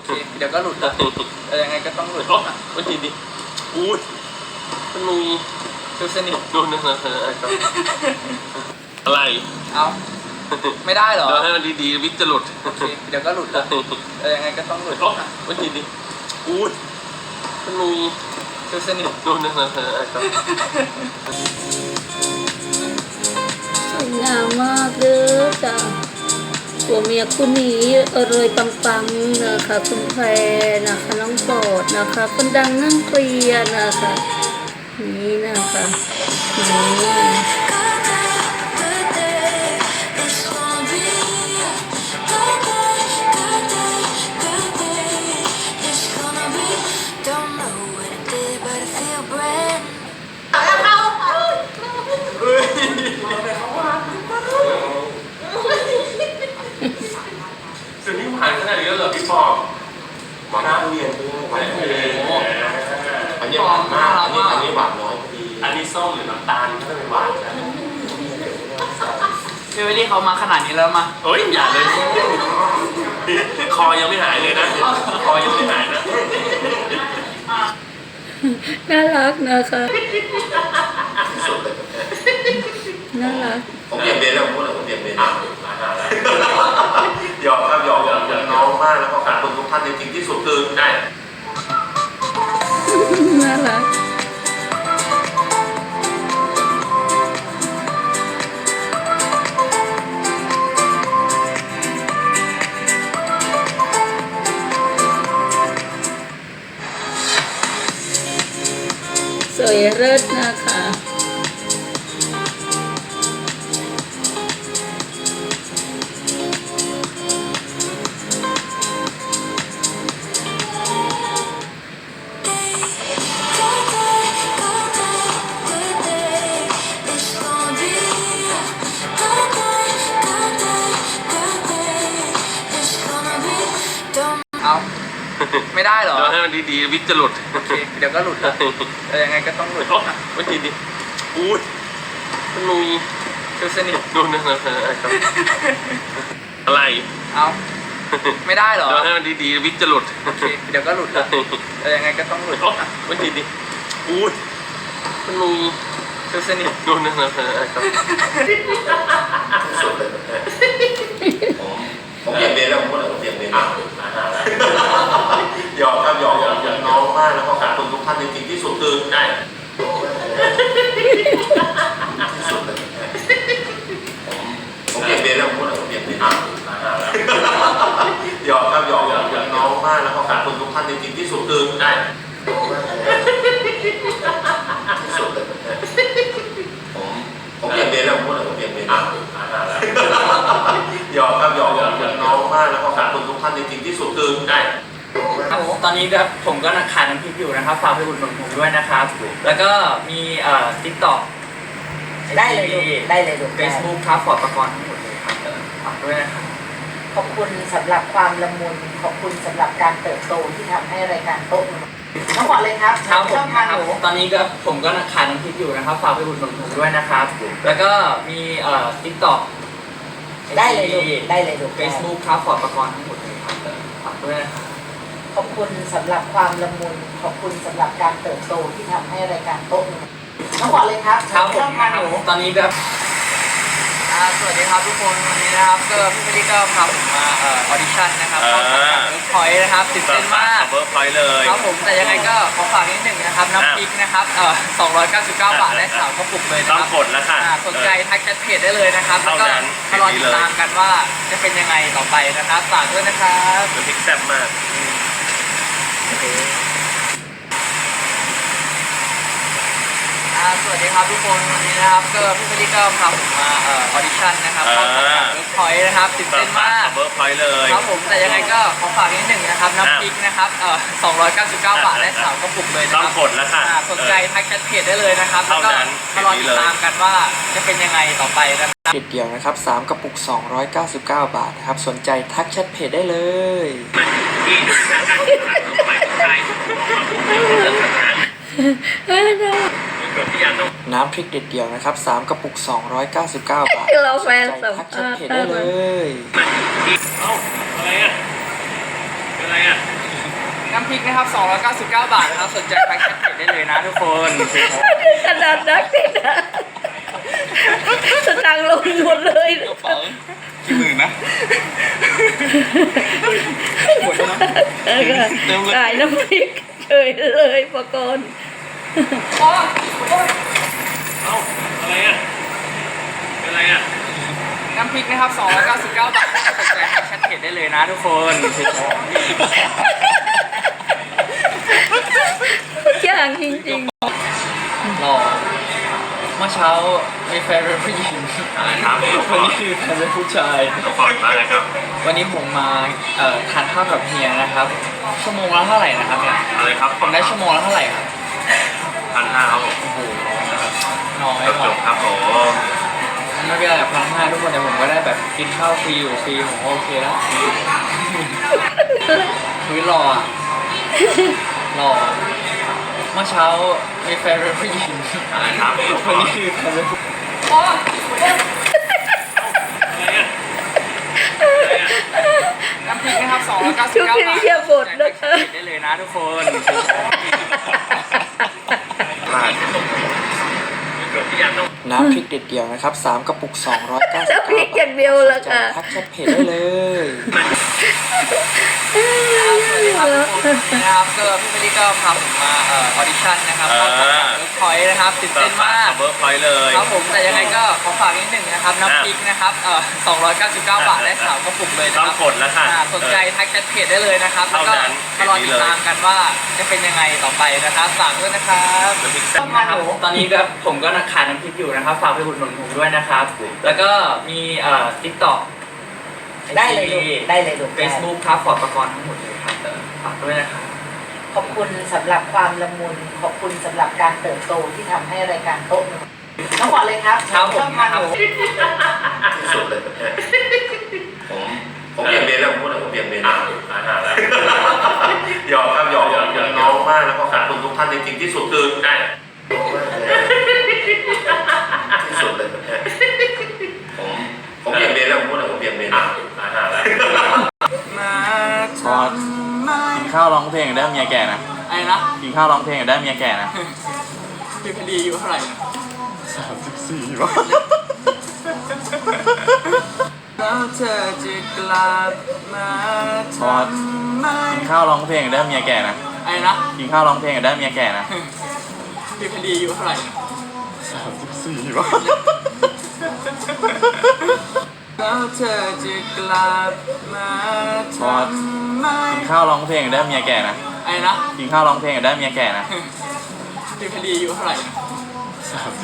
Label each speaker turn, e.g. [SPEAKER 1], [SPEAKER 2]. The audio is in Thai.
[SPEAKER 1] เดี๋ยวก็หลุดแล้วยังไงก็ต้องหลุด
[SPEAKER 2] วันทีดิอุ้ยมันมี
[SPEAKER 1] คือสนิท
[SPEAKER 2] นู่นนะอะไร
[SPEAKER 1] เอาไม่ได้เหรอ
[SPEAKER 2] เดี๋ยวให้มันดีๆวิทจะหลุด
[SPEAKER 1] เดี๋ยวก็หลุดแล้วยังไงก็ต้องหลุด
[SPEAKER 2] วันทีดิอุ้ยมันมี
[SPEAKER 1] คือสนิท
[SPEAKER 2] นู่นนะ
[SPEAKER 3] สวยงามมากเลยจ้ะตัวเมียคู่นี้เลยปังๆนะคะคุณแพรนะคะน้องโปรดนะคะคนดังนั่งเคลียร์นะคะนี่นะคะนี่
[SPEAKER 2] สิ่งที่ผ่านขนาดนี้เหรอพี่ปอหวานทุเรียนด้วยหวานทุเรียนอันนี้หวานมากอันนี้หวานน้อยอันนี้ส้มหรือน้ำตาลก็จะเป็นหวานนะ
[SPEAKER 1] พี่วิลลี่เขามาขนาดนี้แล้วมา
[SPEAKER 2] เฮ้ยอย่าเลยคอยังไม่หายเลยนะคอยังไม่หายนะ
[SPEAKER 3] น่ารักนะคะน่ารัก
[SPEAKER 4] ผมเปลี่ยนเบนแล้วผมพูดเลยผมเปลี่ยนเบนหยอกครับหยอกน้องมากแล้วก็ขอบคุณทุกท่านจริงๆที่สุดคือได้
[SPEAKER 3] น่ารักสวยเลิศนะคะ
[SPEAKER 1] เอาไม่ได้เหรอ
[SPEAKER 2] เดี๋ยวให้มันดีๆวิทจะหลุด
[SPEAKER 1] เดี๋ยวก็หลุดแล้วยังไงก็ต้องหลุด
[SPEAKER 2] วันทีดิอุ้ยมันมี
[SPEAKER 1] คือสนิท
[SPEAKER 2] นู่นนะอะไร
[SPEAKER 1] เอาไม่ได้เหรอ
[SPEAKER 2] เดี๋ยวให้มันดีๆวิทจะหลุด
[SPEAKER 1] เดี๋ยวก็หลุดแล้วยังไงก็ต้องหลุด
[SPEAKER 2] วันทีดิอุ้ยมันมี
[SPEAKER 1] คือสนิท
[SPEAKER 2] นู่นนะ
[SPEAKER 4] ผมเปลี่ยนเบนแล้วผมพูดเลยผมเปลี่ยนเบนหยอกครับหยอกน้องมากแล้วก็ขอบคุณทุกท่านจริงๆที่สุดคือได้ผมเปลี่ยนเบนแล้วผมพูดเลยผมเปลี่ยนเบนหยอกครับหยอกน้องมากแล้วก็ขอบคุณทุกท่านจริงๆที่สุดคือได้ผมเปลี่ยนเบนแล้วผมพูดเลยผมเปลี่ยนเบนหยอกครับหยอกน้องมากแล้วก็ขอบคุณทุกท่านจริงๆที่สุดคือได้
[SPEAKER 1] ตอนนี้ครับผมก็ขายน้ำพริกอยู่นะครับฝากไปอุดหนุนผมด้วยนะครับแล้วก็มีTikTok
[SPEAKER 3] ได้เลยดู
[SPEAKER 1] Facebook ครับฟอร์ดประกรณ์ทั้งหมดเลยครับฝากด้วยนะครับ
[SPEAKER 3] ขอบคุณสำหรับความละมุนขอบคุณสำหรับการเติบโตที่ทำให้รายการโต๊ะทั้งหมดเลยครับ
[SPEAKER 1] ช่องทางหนูตอนนี้ก็ผมก็ขายน้ำพริกอยู่นะครับฝากไปอุดหนุนผมด้วยนะครับแล้วก็มีTikTok
[SPEAKER 3] ได้เลยดู
[SPEAKER 1] Facebook ครับฟอร์ดประกรณ์ทั้งหมดเลยครับฝากด้วยนะครับ
[SPEAKER 3] ขอบคุณสำหรับความละมุนขอบคุณสำหรับการเติบโตที่ทำให้รายการโต๊ะทั้งหมดเลยครับ
[SPEAKER 1] ช่องทางหนูตอนนี้ก็สวัสดีครับทุกคนวันนี้นะครับก็พี่วิลลี่ก็พาผมมาออดิชั่นนะครับเข้าสังกัดเวิร์กพอยต์นะครับตื่นเต้นมาก
[SPEAKER 2] เวิร์กพอยต์เลย
[SPEAKER 1] ครับผมแต่ยังไงก็ขอฝากนิดหนึ่งนะครับน้ำพริกนะครับ299 บาทได้3กระปุกเลยนะครับ
[SPEAKER 2] ต้องกดแล้วค่ะ
[SPEAKER 1] สนใจทักแชทเพจได้เลยนะครับแล้วก็มารอติดตามกันว่าจะเป็นยังไงต่อไปนะครับฝากด้วยนะครับ
[SPEAKER 2] น้ำพริกแซ่บมาก
[SPEAKER 1] สวัสดีครับทุกคนวันนี้นะครับก็พี่วิลลี่ก็พาผมมาออดิชั่นนะครับเข้าสังกัดเวิร์กพอยต์นะครับตื่นเต้นมาก
[SPEAKER 2] เวิร์กพอยต์เลย
[SPEAKER 1] ครับผมแต่ยังไงก็ขอฝากนิดหนึ่งนะครับน้ำพริกนะครับ299 บาทได้3กระปุกเลยนะครับ
[SPEAKER 2] ต้องกดแล้วค่ะ
[SPEAKER 1] สนใจทักแชทเพจได้เลยนะครับแล้วก็มารอติดตามกันว่าจะเป็นยังไงต่อไปนะครับเดียวนะครับ3กระปุก299 บาทนะครับสนใจทักแชทเพจได้เลยน้ำพริกเด็ดเดี่ยวนะครับ3กระปุก299 บาท
[SPEAKER 3] เราแฟนสัมภาษณ์
[SPEAKER 1] ได้เลย
[SPEAKER 2] อะไรอ่ะเป็นอะไรอ่ะ
[SPEAKER 1] น้ำพริกนะครับ299 บาทนะครับสนใจทักแชทเพจได้เลยนะทุกคน
[SPEAKER 3] ขนาดนักติดนะสตางค์ลงหมดเลย
[SPEAKER 1] กระเป๋ากี่หมื่นนะหมดแล้วนะ
[SPEAKER 3] ขายน้ำพริกเฉยเลยปกรณ์
[SPEAKER 2] เอ้าอะไรอ่ะเป็นอะไรอ่ะ
[SPEAKER 1] น้ำพริกนะครับ299 บาทนะครับสนใจทักแชทเพจได้เลยนะทุกคน
[SPEAKER 3] อย่างจริง
[SPEAKER 1] รอเมื่อเช้ามีแฟนเป็นผู้หญิง
[SPEAKER 2] อะไรครับ
[SPEAKER 1] วันนี้คือแฟนเป็นผู้ชาย
[SPEAKER 2] น้องฟอร์ดมาเลยครับ
[SPEAKER 1] วันนี้ผมมาทานข้าวกับเฮียนะครับ ชั่วโมงละเท่าไหร่นะครับเนี่ย
[SPEAKER 2] อะไรครับ
[SPEAKER 1] ผมได้ชั่วโมงละเท่าไหร่ครับ
[SPEAKER 2] 1,500ครับผม
[SPEAKER 1] โอ้โหน้อย
[SPEAKER 2] จบครับผม
[SPEAKER 1] ไม่เป็นไร1,500ทุกคนแต่ผมก็ได้แบบกินข้าวฟรีอยู่ฟรีผมก็โอเคแล้วคุยรออะรอเมื่อเช้ามีแฟนเป็นผู้หญิง
[SPEAKER 2] อะไรครับ
[SPEAKER 1] วันนี้คือแฟนเป็นผู้ น้ำพริกนะครับ299
[SPEAKER 3] ชุด
[SPEAKER 1] บาท
[SPEAKER 3] พิริยาบทนะคะ
[SPEAKER 1] ได้เลยนะทุกคน น้ำพริกเด็ดเดียวนะครับ3กระปุก299
[SPEAKER 3] น้ำพริกอย่างเดียวละค่ะ
[SPEAKER 1] ทักแชทเพจได้เลยสวัสดีครับทุกคนนะครับก็พี่เมลี่ก็พาผมมาออดิชั่นนะครับเข้าสังกัดเวิร์กพอยต์นะครับตื่นเต้นมาก
[SPEAKER 2] เบิร์กพอยต์เลย
[SPEAKER 1] ครับผมแต่ยังไงก็ขอฝากนิดหนึ่งนะครับน้ำพริกนะครับ299 บาทได้3กระปุกเลยนะ
[SPEAKER 2] ต้อ
[SPEAKER 1] ค
[SPEAKER 2] ง
[SPEAKER 1] รับ
[SPEAKER 2] กดแล้วค่ะ
[SPEAKER 1] สนใจทักแชทเพจได้เลยนะครับแล้วก็
[SPEAKER 2] เท่านั้น
[SPEAKER 1] มารอติดตามกันว่าจะเป็นยังไงต่อไปนะครับฝากด้วยนะครับ
[SPEAKER 2] น้ำพริกแซ่บ
[SPEAKER 1] นะครับตอนนี้ก็ผมก็ขายน้ำพริกอยู่นะครับฝากไปอุดหนุนผมด้วยนะครับ แล้วก็มีTikTok
[SPEAKER 5] ได้เลยลูกได้เลยลูก
[SPEAKER 1] Facebook ครับฟอร์ดประกรณ์ทั้งหมดเลยครับฝากด้วยนะครับ
[SPEAKER 5] ขอบคุณสำหรับความละมุน ขอบคุณสำหรับการเติบโตที่ทำให้รายการโต๊ะหนึ่งน้องบอกเลยครับ
[SPEAKER 1] ครับผม
[SPEAKER 5] ชอบทานหนู
[SPEAKER 4] ที่สุดเลยประเทศผมเบี่ยงเบนแล้วผมพูดเลยผมเบี่ยงเบน
[SPEAKER 2] อาหารแล้ว
[SPEAKER 4] หยอกครับหยอกน้องมากแล้วก็ขอบคุณทุกท่านจริงๆที่สุดคือ
[SPEAKER 2] ได้
[SPEAKER 4] ที่สุดเลยประเทศผมเบี่ยงเบนแล้วผมพูดเลยผมเบี่ยงเบน
[SPEAKER 2] อาหารแล้ว
[SPEAKER 6] พอกินข้าวร้องเพลงได้เมียแก่นะ
[SPEAKER 1] ไอ้นะ
[SPEAKER 6] กินข้าวร้องเพลงได้เมียแก่นะ
[SPEAKER 1] พี่พอดีอายู่เท่าไหร่นะ
[SPEAKER 6] 34วะ
[SPEAKER 1] แล้วเธอจะกลับมา
[SPEAKER 6] พอกินข้าวร้องเพลงได้เมียแก่นะ
[SPEAKER 1] ไอ้นะ
[SPEAKER 6] กินข้าวร้องเพลงได้เมียแก่นะ
[SPEAKER 1] พี่พอดีอายู่เท่าไหร่นะ
[SPEAKER 6] 34วะ
[SPEAKER 1] แล้วเธอจะกลับมา
[SPEAKER 6] พอกินข้าวร้องเพลงได้เมียแก่นะ
[SPEAKER 1] ไอ้นะ
[SPEAKER 6] กินข้าวร้องเพลงได้เมียแก่นะ
[SPEAKER 1] พี่พอดีอายู่เท่าไหร่นะ